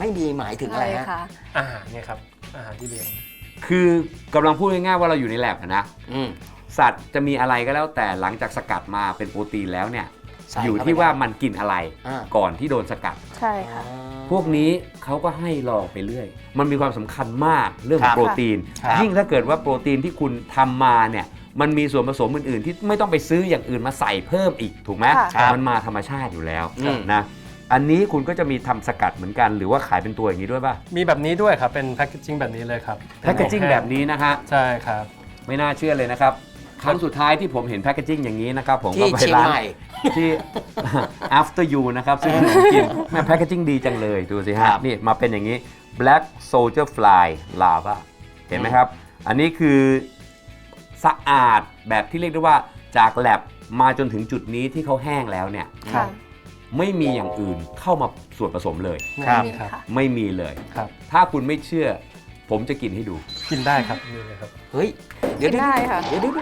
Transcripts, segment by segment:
ไม่ดีหมายถึงอะไรฮะอาหารเนี่ยครับอาหารที่เลี้ยงคือกำลังพูดง่ายๆว่าเราอยู่ในแลบนะสัตว์จะมีอะไรก็แล้วแต่หลังจากสกัดมาเป็นโปรตีนแล้วเนี่ยอยู่ที่ว่ามันกินอะไรก่อนที่โดนสกัดใช่ค่ะพวกนี้เขาก็ให้ลองไปเรื่อยมันมีความสำคัญมากเรื่องของโปรตีนยิ่งถ้าเกิดว่าโปรตีนที่คุณทำมาเนี่ยมันมีส่วนผสมอื่นๆที่ไม่ต้องไปซื้ออย่างอื่นมาใส่เพิ่มอีกถูกไหมมันมาธรรมชาติอยู่แล้วนะอันนี้คุณก็จะมีทำสกัดเหมือนกันหรือว่าขายเป็นตัวอย่างนี้ด้วยป่ะมีแบบนี้ด้วยครับเป็นแพคเกจิ้งแบบนี้เลยครับแพคเกจิ้งแบบนี้นะฮะใช่ครับไม่น่าเชื่อเลยนะครับครั้งสุดท้ายที่ผมเห็นแพคเกจิ้งอย่างนี้นะครับผมก็ไปร้านที่ after you นะครับซึ่งผมกินแม่แพคเกจิ้งดีจังเลยดูสิฮะนี่มาเป็นอย่างนี้ black soldier fly lava เห็นไหมครับอันนี้คือสะอาดแบบที่เรียกได้ว่าจากแลบมาจนถึงจุดนี้ที่เขาแห้งแล้วเนี่ยไม่มีอย่างอื่นเข้ามาส่วนผสมเลยไม่มีเลยถ้าคุณไม่เชื่อผมจะกินให้ดูกินได้ครับนี่เลยครับเฮ้ยเดี๋ยวได้ค่ะเดี๋ยว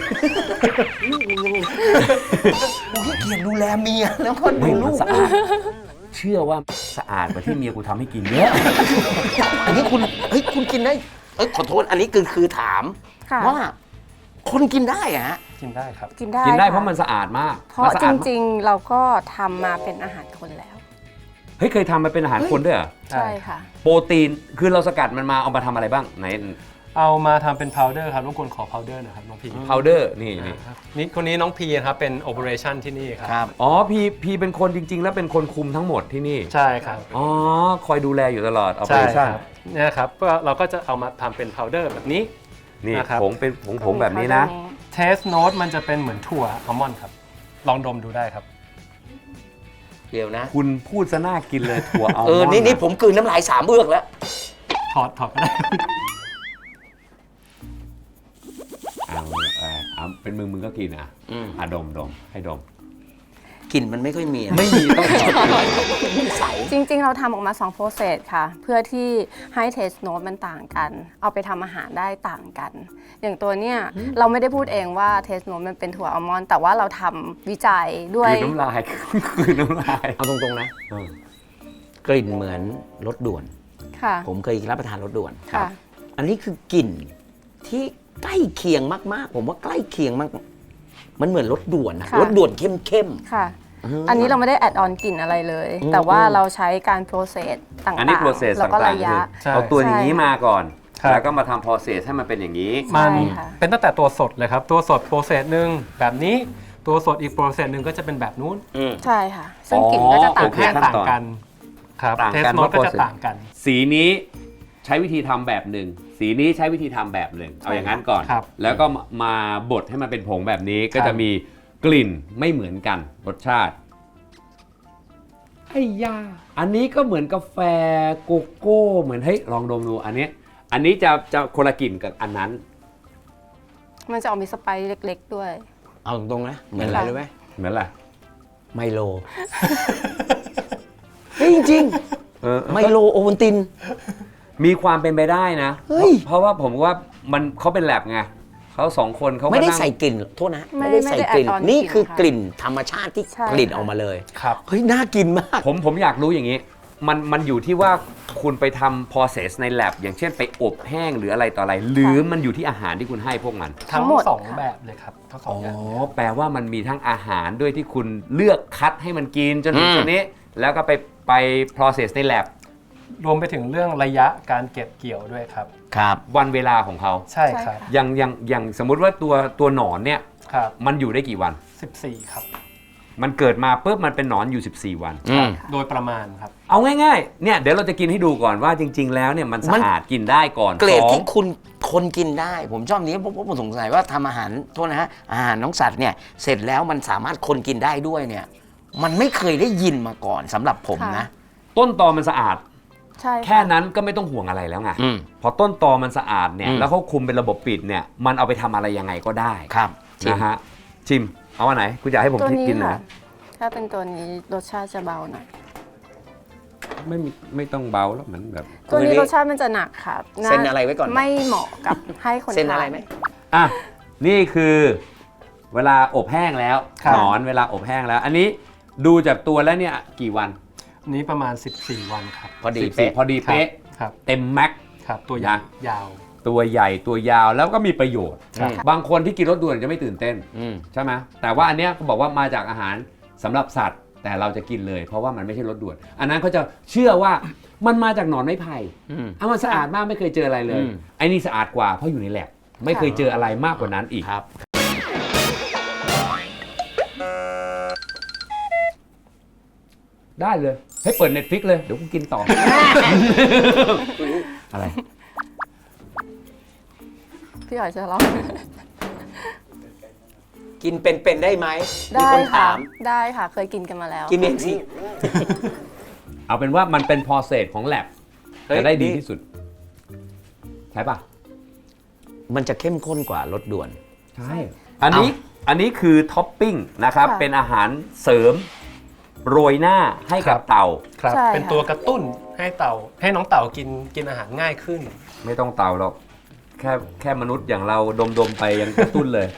กูขี้เกียจดูแลเมียแล้วคนดูลูกสะอาดเชื่อว่าสะอาดกว่าที่เมียกูทำให้กินเยอะอันนี้คุณกินได้ขอโทษอันนี้คือถามว่าคนกินได้อะฮะกินได้ครับกินได้เพราะมันสะอาดมากเพราะจริงๆเราก็ทำมาเป็นอาหารคนแล้วเฮ้ยเคยทำมาเป็นอาหารคนด้วยเหรอใช่ค่ะโปรตีนคือเราสกัดมันมาเอามาทำอะไรบ้างไหนเอามาทำเป็นพาวเดอร์ครับรบกวนขอพาวเดอร์หน่อยครับน้องพีพาวเดอร์นี่คนนี้น้องพีครับเป็นโอเปอเรชั่นที่นี่ครับอ๋อพีเป็นคนจริงๆแล้วเป็นคนคุมทั้งหมดที่นี่ใช่ครับอ๋อคอยดูแลอยู่ตลอดโอเปอเรชั่นเนี่ยครับก็เราก็จะเอามาทำเป็นพาวเดอร์แบบนี้นี่ผงเป็นผงแบบนี้นะเทสโน้ตมันจะเป็นเหมือนถั่วอัลมอนด์ครับลองดมดูได้ครับเดี๋ยวนะคุณพูดซะน่ากินเลยถั่วอัลมอนด์นี่ผมกลืนน้ำลาย3เอือกแล้วถอดก็ได้เอาเป็นมึงก็กินดมให้ดมกลิ่นมันไม่ค่อยมีต้องจริงๆเราทำออกมา2 process ค่ะเพื่อที่ให้ taste note มันต่างกันเอาไปทำอาหารได้ต่างกันอย่างตัวเนี้ยเราไม่ได้พูดเองว่า taste note มันเป็นถั่วอัลมอนด์แต่ว่าเราทำวิจัยด้วยคือน้ำลายเอาตรงๆนะกลิ่นเหมือนรสด่วนผมเคยรับประทานรสด่วนอันนี้คือกลิ่นที่ใกล้เคียงมากๆผมว่าใกล้เคียงมากมันเหมือนรสด่วนนะรสด่วนเข้มๆค่ะอันนี้เราไม่ได้แอดออนกลิ่นอะไรเลยแต่ว่าเราใช้การโปรเซสต่างๆแล้วก็ระยะเอาตัวอย่างนี้มาก่อนแล้วก็มาทำโปรเซสให้มันเป็นอย่างนี้มันเป็นตั้งแต่ตัวสดเลยครับตัวสดโปรเซสหนึ่งแบบนี้ตัวสดอีกโปรเซสหนึ่งก็จะเป็นแบบนู้นใช่ค่ะซึ่งกลิ่นก็จะต่างกันครับเทสโน้ตก็จะต่างกันสีนี้ใช้วิธีทำแบบหนึ่งสีนี้ใช้วิธีทำแบบหนึ่งเอาอย่างนั้นก่อนแล้วก็มาบดให้มันเป็นผงแบบนี้ก็จะมีกลิ่นไม่เหมือนกันรสชาติไอ้ยาอันนี้ก็เหมือนกาแฟโกโก้เหมือนเฮ้ยลองดมดูอันนี้จะคนละกลิ่นกับอันนั้นมันจะออกมีสไปซ์เล็กๆด้วยเอาตรงๆนะเหมือนอะไรรู้ไหมเหมือนอะไรไมโลจริงๆไมโลโอวัลตินมีความเป็นไปได้นะเพราะว่าผมว่าเขาเป็นแลบไงเขา2 คนเขาไม่ได้ใส่กลิ่นโทษนะไม่ได้ใส่กลิ่นนี่คือกลิ่นธรรมชาติที่กลิ่นออกมาเลยครับเฮ้ยน่ากินมากผมอยากรู้อย่างนี้มันอยู่ที่ว่าคุณไปทำ process ใน lab อย่างเช่นไปอบแห้งหรืออะไรต่ออะไรหรือมันอยู่ที่อาหารที่คุณให้พวกมันทั้ง2แบบเลยครับทั้ง2อย่างแปลว่ามันมีทั้งอาหารด้วยที่คุณเลือกคัดให้มันกินจนถึงจุดนี้แล้วก็ไป process ใน lab รวมไปถึงเรื่องระยะการเก็บเกี่ยวด้วยครับวันเวลาของเขาใช่ครับอย่างสมมุติว่าตัวหนอนเนี่ยมันอยู่ได้กี่วัน 14ครับมันเกิดมาปุ๊บมันเป็นหนอนอยู่14 วันโดยประมาณครับเอาง่ายๆเนี่ยเดี๋ยวเราจะกินให้ดูก่อนว่าจริงๆแล้วเนี่ยมันสะอาดกินได้ก่อนเกรดที่คนกินได้ผมชอบนี้เพราะผมสงสัยว่าทำอาหารโทษนะฮะอาหารน้องสัตว์เนี่ยเสร็จแล้วมันสามารถคนกินได้ด้วยเนี่ยมันไม่เคยได้ยินมาก่อนสำหรับผมนะต้นตอมันสะอาดแค่นั้นก็ไม่ต้องห่วงอะไรแล้วไงพอต้นตอมันสะอาดเนี่ยแล้วเขาคุมเป็นระบบปิดเนี่ยมันเอาไปทำอะไรยังไงก็ได้ครับนะฮะชิมเอาอันไหนคุณอยากให้ผมกินไหนถ้าเป็นตัวนี้รสชาติจะเบาหน่อยไม่ต้องเบาแล้วเหมือนแบบตัวนี้รสชาติมันจะหนักค่ะเซ็นอะไรไว้ก่อนไม่เหมาะกับให้คนทานเซ็นอะไรไหมนี่คือเวลาอบแห้งแล้วหนอนเวลาอบแห้งแล้วอันนี้ดูจากตัวแล้วเนี่ยกี่วันนี้ประมาณ 14 วันครับพอดีเป๊ะพอดีเป๊ะครับเต็มแม็กครับตัวใหญ่ยาวตัวใหญ่ตัวยาวแล้วก็มีประโยชน์ครับบางคนที่กินรสด่วนจะไม่ตื่นเต้น ใช่ไหมแต่ว่าอันเนี้ยเขาบอกว่ามาจากอาหารสำหรับสัตว์ แต่เราจะกินเลยเพราะว่ามันไม่ใช่รสด่วน อันนั้นเขาจะเชื่อว่ามันมาจากหนอนไม้ไผ่มันสะอาดมากไม่เคยเจออะไรเลยไอ้นี่สะอาดกว่าเพราะอยู่ในแลบไม่เคยเจออะไรมากกว่านั้นอีกครับได้เลยให้เปิด Netflix เลยเดี๋ยวกูกินต่อ อะไรพี่หอยจะลองกินเป็นได้ไหมมีได้คนค่ะถามได้ค่ะ เคยกินกันมาแล้วกินเองสิเอาเป็นว่ามันเป็น process ของแลบเฮ้ยจะได้ดีที่สุด ใช่ปะมันจะเข้มข้นกว่ารสด่วนใช่ อันนี้คือท็อปปิ้งนะครับค่ะเป็นอาหารเสริมโรยหน้าให้กับเต่าครับใช่ค่ะเป็นตัวกระตุ้นให้น้องเต่ากินอาหารง่ายขึ้นไม่ต้องเต่าหรอก แค่มนุษย์อย่างเราดมไปยังกระตุ้นเลย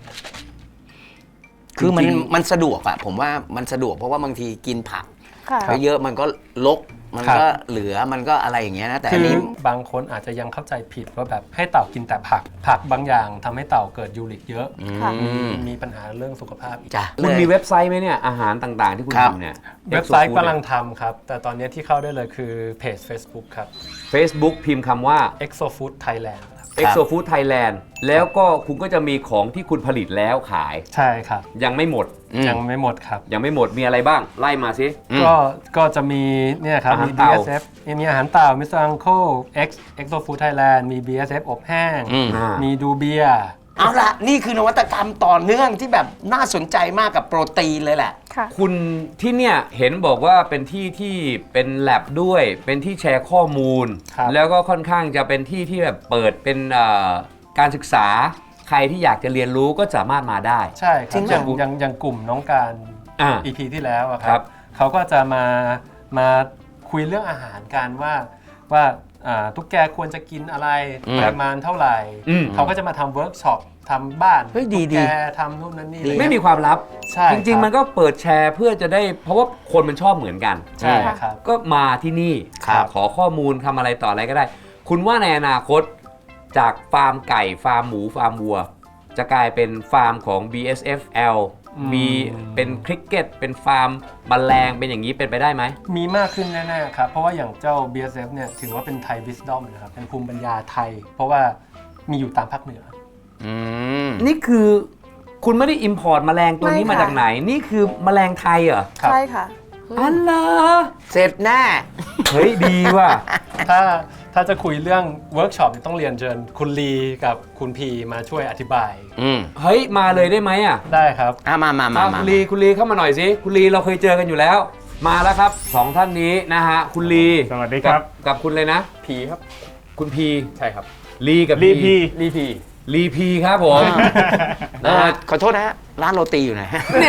คือมันจริงมันสะดวกอะผมว่ามันสะดวกเพราะว่าบางทีกินผักค่ะไปเยอะมันก็ลกมันครับก็เหลือมันก็อะไรอย่างเงี้ยนะแต่คือันอนี้บางคนอาจจะยังเข้าใจผิดว่าแบบให้เต่ากินแต่ผักบางอย่างทำให้เต่าเกิดยูริกเยอะค่ะมีปัญหาเรื่องสุขภาพอีกจ้ะคุณเลยมีเว็บไซต์ไหมเนี่ยอาหารต่างๆที่คุณครับทำเนี่ยเว็บไซต์ Exofood กำลังทำครับ แต่ตอนนี้ที่เข้าได้เลยคือเพจ Facebook ครับ Facebook พิมพ์คำว่า Exofood Thailand ครับ Exofood Thailand แล้วก็คุณก็จะมีของที่คุณผลิตแล้วขายใช่ครับยังไม่หมดยังไม่หมดครับยังไม่หมดมีอะไรบ้างไล่มาสิก็จะมีเนี่ยครับอาหารมีเต่า BSF มีอาหารเต่า Mr. Uncle Exofood Thailand มี BSF อบแห้ง มีดูเบียร์เอาละนี่คือนวัตกรรมต่อเนื่องที่แบบน่าสนใจมากกับโปรตีนเลยแหละค่ะคุณที่เนี่ยเห็นบอกว่าเป็นที่ที่เป็นแลบด้วย เป็นที่แชร์ข้อมูลครับแล้วก็ค่อนข้างจะเป็นที่ที่แบบเปิดเป็นการศึกษาใครที่อยากจะเรียนรู้ก็สามารถมาได้ใช่คจริรับงเหรออย่างกลุ่มน้องการอ่า EP ที่แล้วอะคครัรับ บเขาก็จะมาคุยเรื่องอาหารกันว่าตุ๊กแกควรจะกินอะไรปริมาณเท่าไหร่ เขาก็จะมาทำเวิร์กช็อปทำบ้านเฮ้ยดีตุ๊กดีแกทำนู่นนั่นนี่ดีเลยไม่มีความลับใช่จริง ๆ มันก็เปิดแชร์เพื่อจะได้เพราะว่าคนมันชอบเหมือนกันใช่ครับก็มาที่นี่ครับขอข้อมูลทำอะไรต่ออะไรก็ได้ คุณว่าในอนาคตจากฟาร์มไก่ฟาร์มหมูฟาร์มวัว จะกลายเป็นฟาร์มของ BSFL มีเป็นคริกเก็ตเป็นฟาร์มแมลงเป็นอย่างนี้เป็นไปได้ไหมมีมากขึ้นแน่ๆครับ เพราะว่าอย่างเจ้า BSF เนี่ยถือว่าเป็นไทย Wisdom นะครับ เป็นภูมิปัญญาไทย เพราะว่ามีอยู่ตามภาคเหนือนี่คือคุณไม่ได้อิมพอร์ตแมลงตัวนี้ไม่ค่ะมาจากไหน นี่คือแมลงไทยเหรอครับใช่ค่ะอันเหรอเสร็จแน่เฮ้ยดีว่ะถ้าจะคุยเรื่องเวิร์กช็อปต้องเรียนเชิญคุณลีกับคุณพีมาช่วยอธิบายเฮ้ยมาเลยได้ไหมอ่ะได้ครับมาคุณลีเข้ามาหน่อยสิคุณลีเราเคยเจอกันอยู่แล้ว มาแล้วครับสองท่านนี้นะฮะคุณลีสวัสดีครับกับคุณเลยนะพีครับคุณพีใช่ครับลีกับรีพีลีพีลีพีครับผมขอโทษนะฮะร้านโรตีอยู่ไหนเนี่ย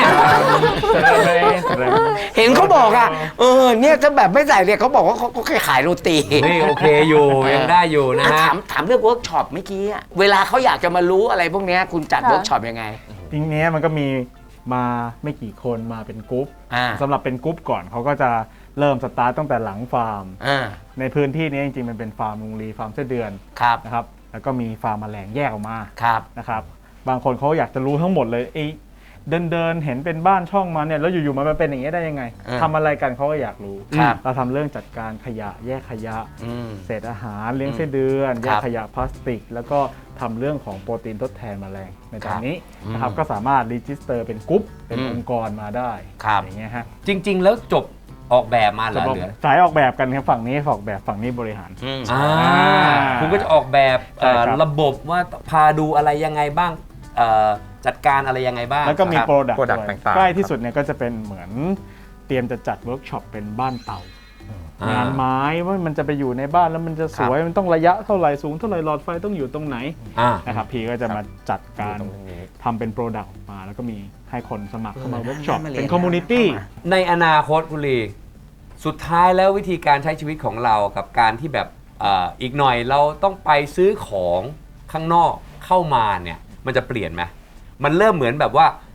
เห็นเขาบอกอ่ะเนี่ยถ้าแบบไม่ใส่เนี่ยเขาบอกว่าเขาแค่ขายโรตีนี่โอเคอยู่ยังได้อยู่นะฮะถามเรื่องเวิร์กช็อปเมื่อกี้อะเวลาเขาอยากจะมารู้อะไรพวกเนี้ยคุณจัดค่ะเวิร์กช็อปยังไงจริงๆเนี้ยมันก็มีมาไม่กี่คนมาเป็นกรุ๊ปอ่าสำหรับเป็นกรุ๊ปก่อนเขาก็จะเริ่มสตาร์ตตั้งแต่หลังฟาร์ม ในพื้นที่นี้จริงๆมันเป็นฟาร์มลุงลีฟาร์มไส้เดือนครับนะครับแล้วก็มีฟาร์มแมลงแยกออกมาครับนะครับบางคนเขาอยากจะรู้ทั้งหมดเลยเดินเห็นเป็นบ้านช่องมาเนี่ยแล้วอยู่ๆมันเป็นอย่างนี้ยได้ยังไงทำอะไรกันเขาก็อยากรู้ครับเราทำเรื่องจัดการขยะแยกขยะมเศษอาหารเลี้ยงไส้เดือนครับแยกขยะพลาสติก แล้วก็ทำเรื่องของโปรตีนทดแทนแมลงในตอนนี้นะครับก็สามารถรีจิสเตอร์เป็นกรุ๊ปเป็นองค์กรมาได้ครับอย่างเงี้ยฮะจริง ๆ แล้วจบออกแบบมาเหรอจะบอกเหลือสายออกแบบกันครับฝั่งนี้ออกแบบฝั่งนี้บริหารอ่าคุณก็จะออกแบบใช่ครับระบบว่าพาดูอะไรยังไงบ้างจัดการอะไรยังไงบ้างแล้วก็มีครับโปรดักต์ product ด้วยต่างๆใกล้ที่สุดเนี่ยก็จะเป็นเหมือนเตรียมจะจัดเวิร์กช็อปเป็นบ้านเตา งานไม้ว่ามันจะไปอยู่ในบ้านแล้วมันจะสวยมันต้องระยะเท่าไหร่สูงเท่าไหร่หลอดไฟต้องอยู่ตรงไหนอ่านะครับพีก็จะมาจัดการตรงนี้ทำเป็นโปรดักต์ออกมา แล้วก็มีให้คนสมัครเข้ามาเวิร์กช็อปน่ามาเรียนเป็นคอมมูนิตี้เข้ามาในอนาคตคุณลีสุดท้ายแล้ววิธีการใช้ชีวิตของเรากับการที่แบบอีกหน่อยเราต้องไปซื้อของข้างนอกเข้ามาเนี่ยมันจะเปลี่ยนไหมมันเริ่มเหมือนแบบว่า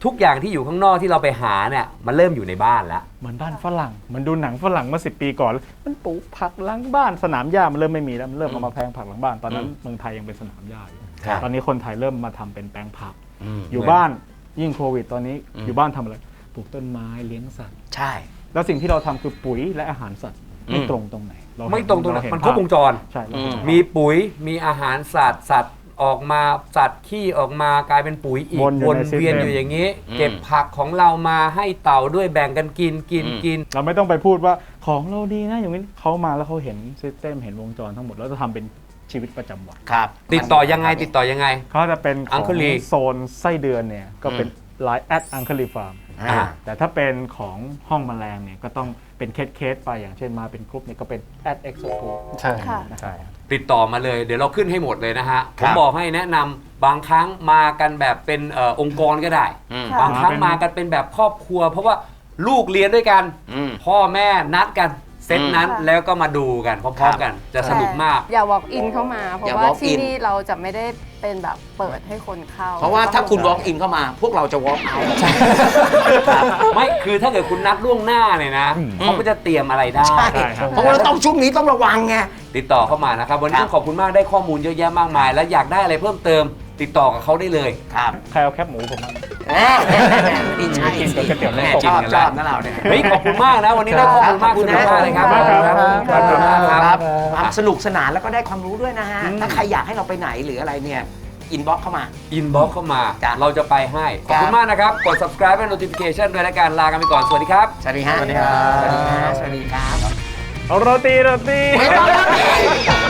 ทุกอย่างที่อยู่ข้างนอกที่เราไปหาเนี่ยมันเริ่มอยู่ในบ้านแล้วเหมือนบ้านฝรั่งมันดูหนังฝรั่งเมื่อ10 ปีก่อน มันปลูกผักหลังบ้านสนามหญ้ามันเริ่มไม่มีแล้วมันเริ่มเอามาแพงผักหลังบ้านตอนนั้นเมืองไทยยังเป็นสนามหญ้าอยู่ครับตอนนี้คนไทยเริ่มมาทำเป็นแปลงผักมอยู่บ้านยิ่งโควิดตอนนี้อยู่บ้านทำอะไรปลูกต้นไม้เลี้ยงสัตว์ใช่แล้วสิ่งที่เราทำคือปุ๋ยและอาหารสัตว์ไม่ตรงตรงไหนเาเห็นไม่ตรงตรงไหนเาเห็มันครบวงจรใช่เราเห็นภาพมีปุ๋ยมีอาหารสัตว์ออกมาสัตว์ขี้ออกมากลายเป็นปุ๋ยอีกวนอยู่วนในเวียน system อยู่อย่างนี้ เก็บผักของเรามาให้เต่าด้วยแบ่งกันกินเราไม่ต้องไปพูดว่าของเราดีนะอย่างนี้เขามาแล้วเขาเห็นซิสเต็มเห็นวงจรทั้งหมดแล้วจะทำเป็นชีวิตประจำวันครับติดต่อยังไงติดต่อยังไงเขาจะเป็นของ Uncle Lee โซนไส้เดือนเนี่ยก็เป็นไลน์@Uncle Farm อ่าแต่ถ้าเป็นของห้องแมลงเนี่ยก็ต้องเป็นเคสไปอย่างเช่นมาเป็นกรุ๊ปเนี่ยก็เป็น@Exofood ใช่ค่ะใช่ติดต่อมาเลยเดี๋ยวเราขึ้นให้หมดเลยนะฮะคผรับมบอกให้แนะนำบางครั้งมากันแบบเป็นองค์กรก็ได้อืมค่ะบางครั้งมากันเป็นแบบครอบครัว เพราะว่าลูกเรียนด้วยกันอืมพ่อแม่นัดกันเซตนั้นค่ะแล้วก็มาดูกันพร้อมๆกันจะสนุกมากอย่า walk in เข้ามา เพอย่าราะว่า walk ที่ in นี่เราจะไม่ได้เป็นแบบเปิดให้คนเข้าเพราะว่าถ้าคุณ walk in เข้ามา พวกเราจะ walk out ไม่คือถ้าเกิดคุณนัดล่วงหน้าเนี่ยนะเขาก็จะเตรียมอะไรได้ใช่ครับเพราะว่าเราต้องช่วงนี้ต้องระวังไงติดต่อเข้ามานะครับวันนี้ครับต้องขอบคุณมากได้ข้อมูลเยอะแยะมากมาย และอยากได้อะไรเพิ่มเติม ติดต่อกับเขาได้เลยครับใครเอาแคบหมูผมมานี่ใช่กินกับก๋วยเตี๋ยวแม่น้ำตกชอบชอบนะเราเนี่ยเฮ้ยขอบคุณมากนะวันนี้ได้ข้อมูลมากขอบคุสุณดนะมากเลยครับขอบคุณมากครับขอบคุณมากครับความสนุกสนานแล้วก็ได้ความรู้ด้วยนะฮะ ถ้าใครอยากให้เราไปไหนหรืออะไรเนี่ย อินบ็อกเข้ามาอินบ็อกเข้ามาจ้ะเราจะไปให้ ขอบคุณมากนะครับ กด subscribe และ notification ด้วยและการลากันไปก่อน สวัสดีครับสวัสดีฮะสวัสดีครับสวัสดีครับเอาโรตีไม่ต้องแล้ว